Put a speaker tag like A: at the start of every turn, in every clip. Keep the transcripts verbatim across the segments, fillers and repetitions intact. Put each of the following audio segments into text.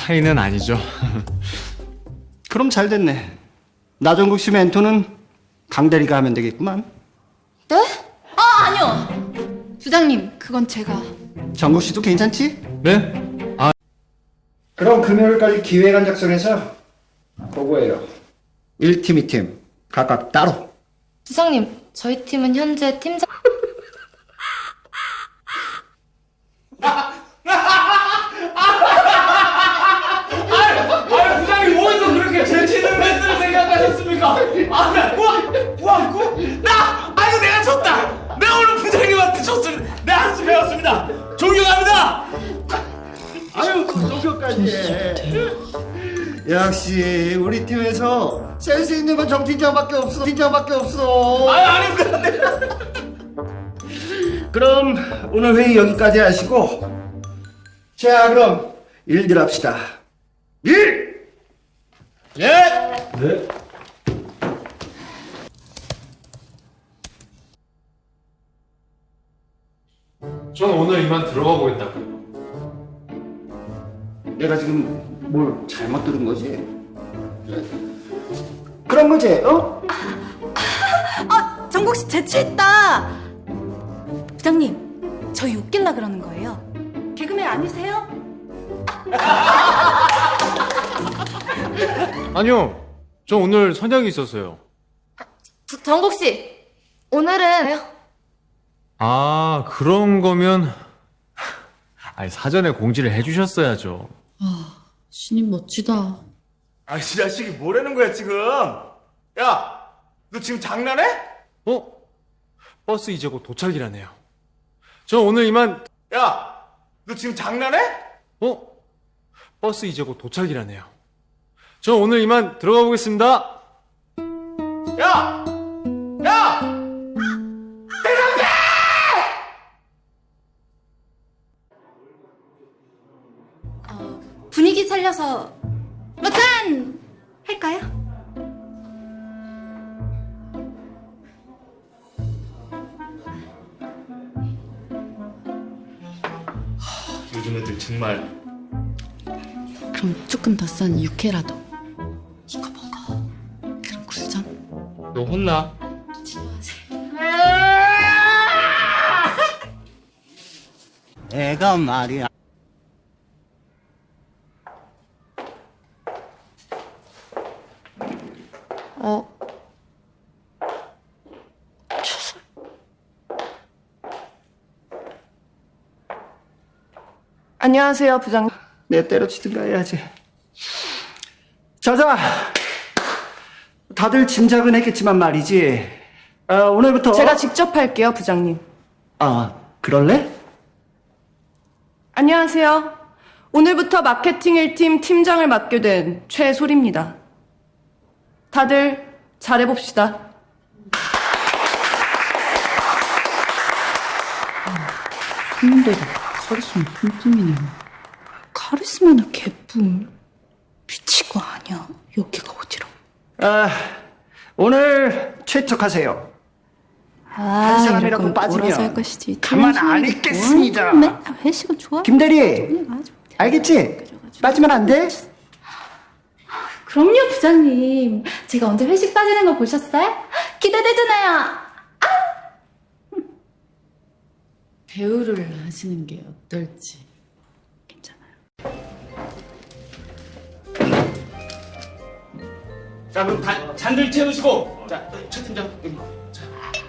A: 사이는 아니죠.
B: 그럼 잘 됐네. 나정국 씨 멘토는 강대리가 하면 되겠구만.
C: 네? 아, 아니요. 부장님, 그건 제가.
B: 정국 씨도 괜찮지?
A: 네? 아,
B: 그럼 금요일까지 기획안 작성해서 보고해요. 일 팀, 이 팀 각각 따로.
C: 부장님, 저희 팀은 현재 팀장.
D: 아, 부장님 어디서 그렇게 제치는 멘트를 생각하셨습니까? 아, 나 우와, 우와, 구, 나, 아이고 내가 졌다. 내가 오늘 부장님한테 졌을, 내 한수 배웠습니다. 존경합니다.
B: 아유, 종교까지. 역시 우리 팀에서 센스 있는 건 정 팀장밖에 없어. 팀장밖에 없어.
D: 아유, 아닙니다.
B: 그럼 오늘 회의 여기까지 하시고, 자 그럼 일들 합시다. 일!
D: 예.
B: 네.
A: 전 오늘 이만 들어가 보겠다고요.
B: 내가 지금 뭘 잘못 들은 거지? 그런 거지, 어?
E: 아, 정국 씨 재치 있다. 부장님, 저희 웃긴다 그러는 거예요. 개그맨 아니세요?
A: 아니요. 저 오늘 선약이 있었어요.
C: 저, 정국 씨, 오늘은
A: 아, 그런 거면 아니 사전에 공지를 해주셨어야죠.
F: 아, 신임 멋지다.
D: 아, 이 자식이 뭐라는 거야 지금? 야, 너 지금 장난해?
A: 어? 버스 이제 곧 도착이라네요. 저 오늘 이만.
D: 야, 너 지금 장난해?
A: 어? 버스 이제 곧 도착이라네요. 저 오늘 이만 들어가 보겠습니다.
D: 야, 야.
C: 분위기 살려서 뭐 짠! 할까요?
D: 요즘 애들 정말.
F: 그럼 조금 더 싼 육회라도. 이거 먹어. 그럼 굴전.
D: 너 혼나?
B: 애가 말이야.
F: 어.
G: 안녕하세요, 부장님.
B: 내 때려치든가 해야지. 자자, 다들 짐작은 했겠지만 말이지. 아, 오늘부터
G: 제가 직접 할게요, 부장님.
B: 아, 그럴래?
G: 안녕하세요. 오늘부터 마케팅 일 팀 팀장을 맡게 된 최소리입니다. 다들 잘해봅시다.
F: 손님들도 카리스마 뿜뿜이네요. 카리스마나 개뿔. 미친 거 아니야. 여기가 어디로?
B: 아, 오늘 최척하세요.
F: 아,
B: 한 사람이라고
F: 이럴 거면
B: 빠지면
F: 몰아서 할 것이지.
B: 가만 안 있겠습니다.
F: 맨날 회식은 좋아.
B: 김대리, 알겠지? 빠지면 안 돼?
C: 그럼요, 부장님. 제가 언제 회식 빠지는 거 보셨어요? 기대되잖아요.
F: 배우를 하시는 게 어떨지. 괜찮아요.
D: 자, 그럼 다 잔들 채우시고. 자, 최 팀장 여기. 자,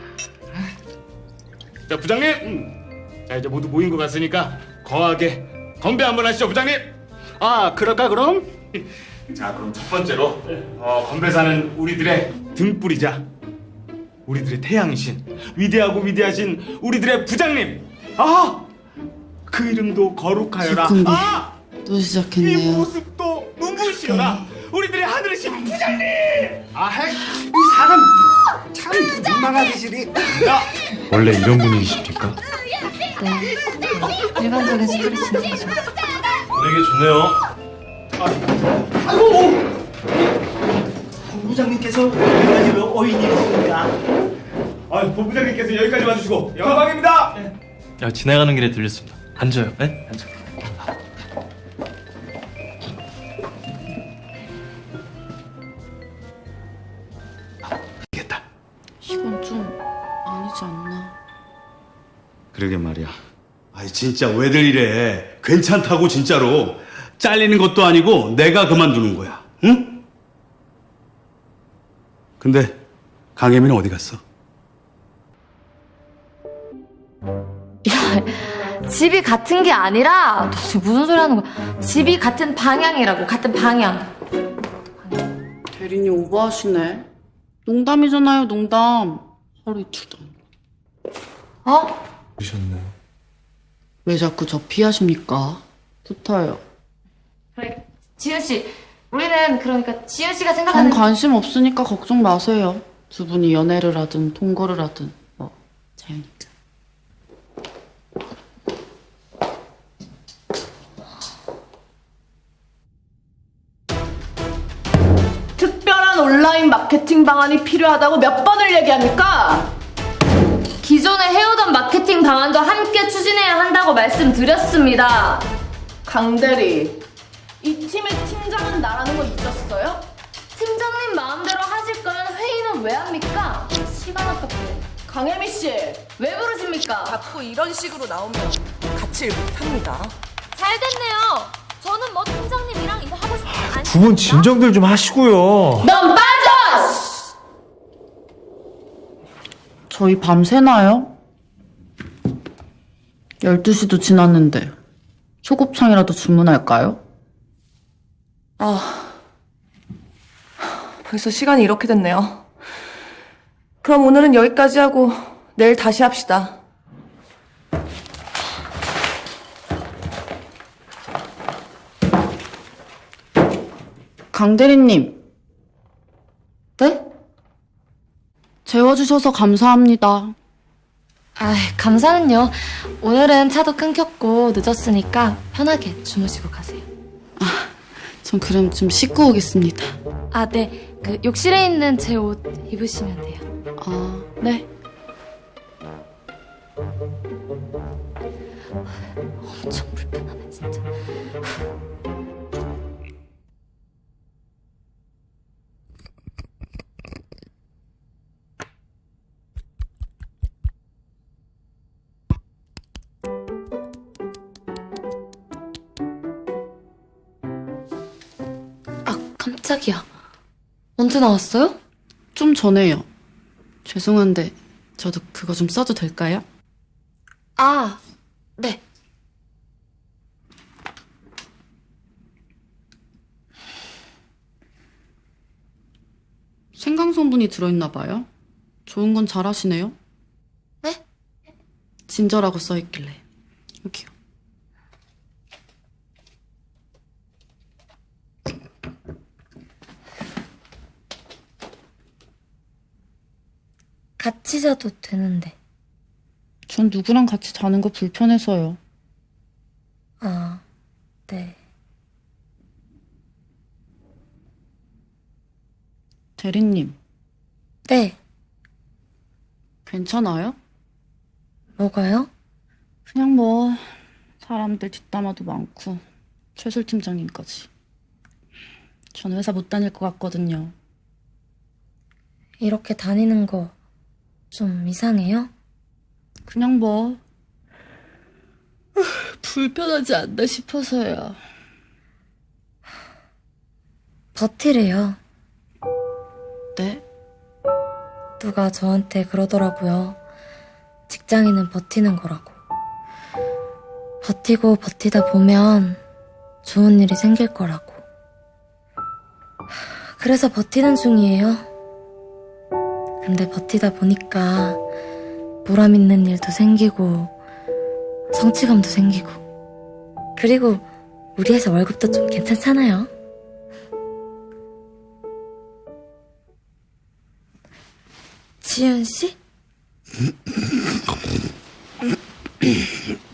D: 자 부장님. 음. 자, 이제 모두 모인 것 같으니까 거하게 건배 한번 하시죠, 부장님.
B: 아, 그럴까 그럼?
D: 자, 그럼 첫 번째로 어, 건배사는 우리들의 등불이자 우리들의 태양이신 위대하고 위대하신 우리들의 부장님. 아, 그 이름도 거룩하여라.
F: 기쁜데.
D: 아,
F: 또
D: 이
F: 시작했네요.
D: 모습도 눈부시여라. 우리들의 하늘이신 부장님.
B: 아, 핵, 이 사람 참 민망한 짓이.
D: 야,
A: 원래 이런 분위기십니까?
C: 네. 일반적인 스트레스죠.
A: 분위기 좋네요.
B: 아이고, 본부장님께서 여기까지 어인이십니까?
D: 아, 본부장님께서 여기까지 와주시고 영광입니다.
H: 야, 지나가는 길에 들렸습니다. 앉아요. 네? 앉아.
F: 이건 좀 아니지 않나.
H: 그러게 말이야. 아이 진짜 왜들 이래? 괜찮다고 진짜로. 잘리는 것도 아니고 내가 그만두는 거야. 응? 근데 강혜민은 어디 갔어?
C: 야, 집이 같은 게 아니라 너 지금 무슨 소리 하는 거야? 집이 같은 방향이라고, 같은 방향.
F: 대리님 오버하시네. 농담이잖아요, 농담. 하루 이틀도 안.
C: 어?
A: 보셨나요?
F: 왜 자꾸 저 피하십니까? 좋다요.
C: 그래, 지은 씨, 우리는 그러니까 지은 씨가
F: 전
C: 생각하는
F: 관심 없으니까 걱정 마세요. 두 분이 연애를 하든 동거를 하든 뭐 자유니까.
G: 특별한 온라인 마케팅 방안이 필요하다고 몇 번을 얘기합니까?
C: 기존에 해오던 마케팅 방안도 함께 추진해야 한다고 말씀드렸습니다.
G: 강대리, 이 팀의 팀장은 나라는 거 잊었어요?
C: 팀장님 마음대로 하실 거면 회의는 왜 합니까? 시간 아깝게.
G: 강혜미 씨,
C: 왜 부르십니까?
E: 자꾸 이런 식으로 나오면 같이 일 못합니다.
C: 잘 됐네요. 저는 뭐 팀장님이랑 일하고 싶지 않습니다.
A: 두 분 진정들 좀 하시고요.
C: 넌 빠져!
F: 저희 밤새나요? 열두 시도 지났는데 소곱창이라도 주문할까요?
G: 아, 벌써 시간이 이렇게 됐네요. 그럼 오늘은 여기까지 하고 내일 다시 합시다.
F: 강대리님.
C: 네?
F: 재워주셔서 감사합니다.
C: 아, 감사는요. 오늘은 차도 끊겼고 늦었으니까 편하게 주무시고 가세요.
F: 전 그럼 좀 씻고 오겠습니다.
C: 아, 네. 그 욕실에 있는 제 옷 입으시면 돼요.
F: 아, 네.
C: 엄청 불편하네, 진짜. 아, 깜짝이야. 언제 나왔어요?
F: 좀 전에요. 죄송한데 저도 그거 좀 써도 될까요?
C: 아, 네.
F: 생강 성분이 들어있나 봐요. 좋은 건 잘하시네요.
C: 네?
F: 진저라고 써있길래. 여기요.
C: 같이 자도 되는데.
F: 전 누구랑 같이 자는 거 불편해서요.
C: 아, 네.
F: 대리님,
C: 네.
F: 괜찮아요?
C: 뭐가요?
F: 그냥 뭐 사람들 뒷담화도 많고 최술 팀장님까지. 전 회사 못 다닐 것 같거든요.
C: 이렇게 다니는 거 좀 이상해요?
F: 그냥 뭐 불편하지 않나 싶어서요.
C: 버티래요.
F: 네?
C: 누가 저한테 그러더라고요. 직장인은 버티는 거라고. 버티고 버티다 보면 좋은 일이 생길 거라고. 그래서 버티는 중이에요. 근데 버티다 보니까 보람 있는 일도 생기고 성취감도 생기고 그리고 우리 회사 월급도 좀 괜찮잖아요. 지은 씨?